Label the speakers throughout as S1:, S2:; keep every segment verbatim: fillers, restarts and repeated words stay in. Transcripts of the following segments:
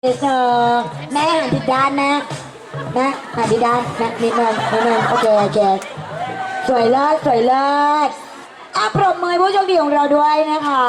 S1: เธอแม่หันผิดด้านนะแม่หันผิดด้านนะนิดนึงนิดนึงโอเคโอเคสวยเลิศสวยเลิศอ่ะปรบมือผู้โชคดีของเราด้วยนะคะ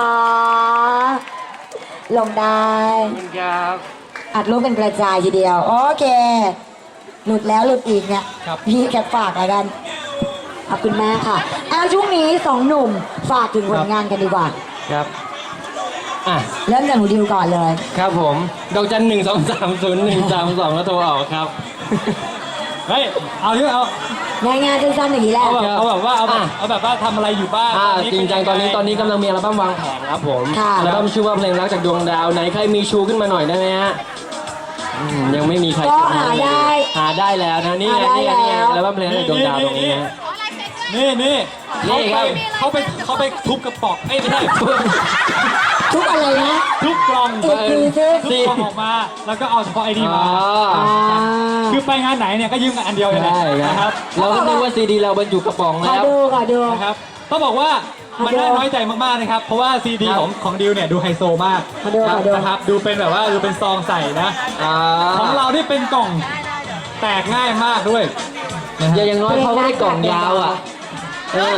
S1: ลงได้
S2: ครับ
S1: อัดรูปเป็นกระจายทีเดียวโอเคหลุดแล้วหลุดอีกเนี่ยพี่แกฝากอะไรกันขอบคุณแม่ค่ะเอาช่วงนี้สองหนุ่มฝากถึงผลงานกันดีกว่า
S2: ครับอ่ะ
S1: เริ่มจากหนูดิวก่อนเลย
S2: ครับผมดอกจันหนึ่งสองสามศูนย์หนึ่งสามสองแล้วโทรออกครับ
S3: เฮ้ยเอาที่เอา
S1: ง่ายๆสั้นๆอย่างนี้แหละ
S3: เอาแบบเอาแบบว่าเอาแบบเอาแบบว่าทำอะไรอยู่บ้าง
S2: อ่าจริงจังตอนนี้ตอนนี้กำลังมีอัลบั้มวางแผนครับผมอัลบั้มชื่อว่าเพลงรักจากดวงดาวไหนใครมีชูขึ้นมาหน่อยได้ไหมฮะยังไม่มีใคร
S1: ก็หาได้
S2: หาได้แล้วนะนี่ไงนี่ไงนี่ไงอัลบั้มเพลงรักจากดวงดาวตรงนี้นะ
S3: นี่นี่
S2: นี่ครับ
S3: เขาไปเขาไปทุบกระป๋องเอ้ยไม่ใช่
S1: ทุกอะไรนะ
S3: ทุกกล่อง
S1: อีกทีซิ
S3: ทุกกล่องออกมาแล้วก็เอาเฉพาะไอ้นี่มาคือไปงานไหนเนี่ยก็ยืมกันอันเดียวเลยนะครับ
S2: เราก็นึกว่าซีดีเราบรรจุกระป๋องแล้ว
S1: ขอดูขอดู
S3: นะครับต้องบอกว่ามันน่าน้อยใจมากๆนะครับเพราะว่าซีดีของของดิวเนี่ยดูไฮโซมากนะครับดูเป็นแบบว่าดูเป็นซองใส่นะของเราที่เป็นกล่องแตกง่ายมากด้วย
S2: อย่างน้อยเขาไม่ได้กล่องยาวอ่ะเออ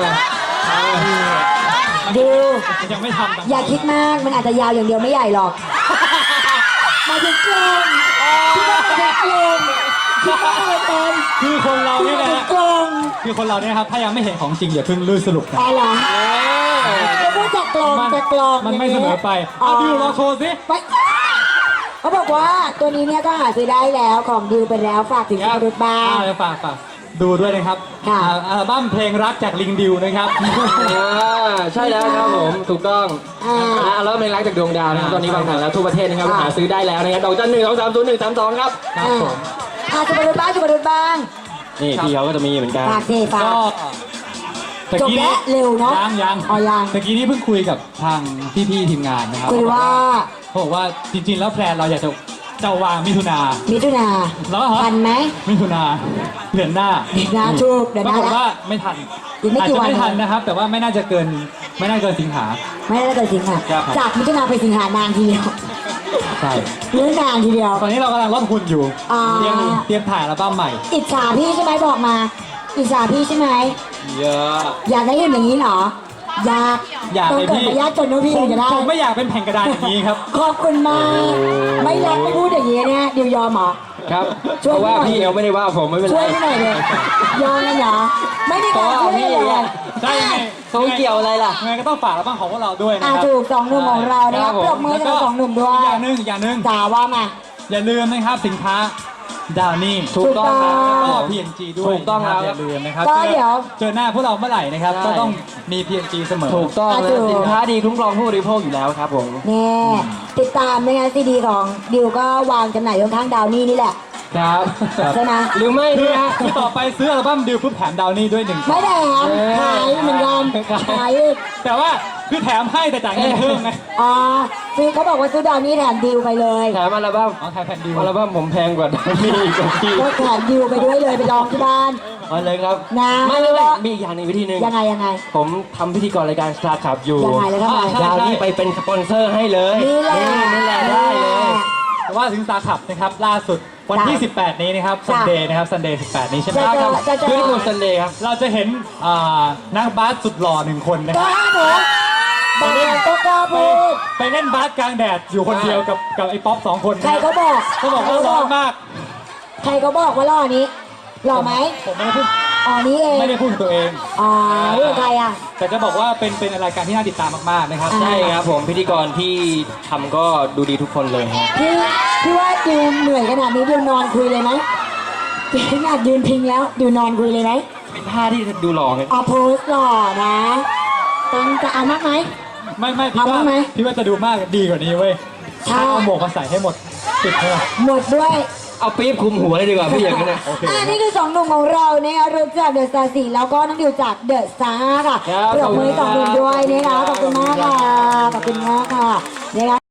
S1: ดิว
S3: ยังไม่ทำ
S1: อย่าคิดมากมันอาจจะยาวอย่างเดียวไม่ใหญ่หรอกมาถึงกลมคิดว่ามาถึงกลมคิดว่ามาเต็ม
S3: คือคนเราเนี่ยนะ
S1: กลม
S3: คือคนเราเนี่ยครับถ้ายังไม่เห็นของจริงอย่าเพิ่งลื่นสรุปนะ
S1: อ๋อเหรอจะพูดจากกลมจากกลม
S3: มันไม่เสมอไปเอาดิวลองโชว์สิ
S1: เขาบอกว่าตัวนี้เนี่ยก็หาซื้อได้แล้วของดิวไปแล้วฝากถึงคุณรุ่นบ้าง
S3: ฝากฝากดูด้วยนะครับอัลบั้มเพลงรักจากลิงดิวนะครับ
S2: ใช่แล้วครับผมถูกต้องอัลบั้มเพลงรักจากดวงดาวนะครับตอนนี้วางแผนแล้วทั่วประเทศนะครับหาซื้อได้แล้วนะครับดอกจันหนึ่งสองสามศูนย์หนึ่งสามสองครับ
S1: ครับผมอาจุบรุ่นบ้างจุบรุ่นบ้าง
S2: นี่พี่เขาก็จะมีเหมือนกัน
S1: ฝากสิฝากจบแล้วเร็วเนาะ
S3: ยังยัง
S1: อ๋อยัง
S3: ตะกี้นี้เพิ่งคุยกับทางพี่ๆทีมงานนะครับ
S1: คุยว่า
S3: เขาบอกว่าจริงๆแล้วแพลนเราอยากจะจะวางมิถุนา
S1: มิถุนา
S3: แล้ว
S1: ทันไหม
S3: มิถุนาเดือนหน้า
S1: เดือนหน้าถูกเดือนหน้าแล้ว
S3: ว่าไม่ทันอาจจะไม่ทันนะครับแต่ว่าไม่น่าจะเกินไม่น่าเกินสิงหา
S1: ไม่น่าเกินสิงหาจากมิถุนาไปสิงหานานทีเดียว
S3: ใช่
S1: เรื่องนานทีเดียว
S3: ตอนนี้เรากำลังลดหุ่นอยู่เตรียมเตรียมถ่ายอัลบั้มใหม่
S1: อิจฉาพี่ใช่ไหมบอกมาอิจฉาพี่ใช่ไหม
S2: เยอะ
S1: อยากได้หุ่นอย่างนี้เหรออยาก
S3: อยากเลยพี่
S1: อยากจนนู้พี่จะได้
S3: ผมไม่อยากเป็นแผ่นกระดาษอย่างนี้ครับ
S1: ขอบคุณมากไม่รักไม่พูดอย่างนี้เนี่ยเดี๋ยวยอมเหรอ
S2: ครับเพราะว่าพี่เอลไม่ได้ว่าผมไม่เป็นไร
S1: ช่วยพี่หน่อยเลยยอมเลยเหรอไม่ได้การช่วยเลย
S3: ใช่ไง
S2: เขาเกี่ยวอะไรล่ะ
S3: ไงก็ต้องฝากอัลบั้มของพวกเราด้วยนะครับ
S1: ถูกสองหนุ่มของเรานะครับปรบมือกับสองหนุ่มด้วย
S3: อย่างหนึ่งอย่างหนึ่ง
S1: จ๋าว่ามา
S3: อย่าลืมนะครับสินค้าดาวนี่
S2: ถูกต้องครับ
S3: ก็ พี เอ็น จี ด้วย
S2: ถูกต้องครับ
S3: อย่าลืมนะครับ
S1: ก็เดี๋ยว
S3: เจอหน้าพวกเราเมื่อไหร่นะครับก็ต้องมี พี เอ็น จี เสมอ
S2: ถูกต้องสินค้าดีคุ้มครองผู้บริโภคอยู่แล้วครับผม
S1: นี่ติดตามนะคะซีดีของดิวก็วางจำหน่ายข้างดาวนี่นี่แหละ
S2: ครับ
S1: ใช่ไหม
S2: หรือไม่
S3: คือคือต่อไปซื้ออัลบั้มดิวปุ๊บแถมดาวนี่ด้วยหนึ่ง
S1: ไม่แถมขายเหมือนกันขาย
S3: แต่ว่าคือแถมให้แต่จ่ายเงินเพิ่มไง
S1: อ๋อซื้อเขาบอกว่าซื้อดาวนี่แถมดิวไปเลย
S2: แถมอัลบั้ม
S3: อ๋อแถมแผ่นดิว
S2: อัลบั้มผมแพงกว่าดาวนี่กับพี่
S1: ก็แถมดิวไปด้วยเลยไปลองที่บ้าน
S2: อ๋อเลยครับ
S1: นะ
S2: ไม่ไม่ไม่มีอย่างหนึ่งวิธีหนึ่ง
S1: ยังไงยังไง
S2: ผมทำพิธีกรรายการสตาร์ขับอยู่
S1: ยังไงแล้วทำไม
S2: ดาวนี่ไปเป็นสปอนเซอร์ให้เลย
S1: นี่แหละ
S2: นี่แหละได้เลย
S3: แต่ว่าถึงสตาร์ขับนะครับล่าสุดวันที่สิบแปดนี้นะครับซันเดย์นะครับซันเดย์สิบแปดนี้ใช่ไหม
S2: ครับคือทุกซันเดย์ครับ
S3: เราจะเห็นนักบาสสุดหล่อหนึ่งคนนะ
S1: ค
S3: รับ
S1: หนูบาสก็กล้าพูด
S3: ไปเล่นบาสกลางแดดอยู่คนเดียวกับกับไอ้ป๊อปสองคน
S1: ใครก็บอก
S3: เขาบอกว่าร้อนมาก
S1: ใครก็บอกว่าหล่อนี้หล่อไหม
S3: ผมไม่ได้พูด
S1: อ๋อนี้เอง
S3: ไม่ได้พูดตัวเอง
S1: อ๋อเรื่องใครอ่ะ
S3: แต่จะบอกว่าเป็นเป็นรายการที่น่าติดตามมากๆนะครับ
S2: ใช่ครับผมพิธีกรที่ทำก็ดูดีทุกคนเลยครับ
S1: พี่พี่ว่าดิวเหนื่อยขนาดนี้ดิวนอนคุยเลยไหมขนาดยืนพิงแล้วดิวนอนคุยเลยไหม
S2: เป็นท่าที่ดูหล่อไง
S1: อ๋อโพสหล่อนะต้องจะเอามากไหม
S3: ไม่ไม่พี่ว่าพี่ว่าจะดูมากดีกว่านี้เว้ยถ้าเอาหมวกมาใส่ให้หมดติดเลย
S1: หมดด้วย
S2: เอาปี๊บคุมหัวเลยดีกว่าพี่อย่างนี้นะ
S1: อ่านี่คือสองหนุ่มของเราเนี่ยเริ่มจากเดอะสตาร์สี่แล้วก็น้องดิวจากเดอะสตาร์ค่ะปรบมือสองหนุ่มด้วยนะคะขอบคุณมากค่ะขอบคุณมากค่ะนะคะ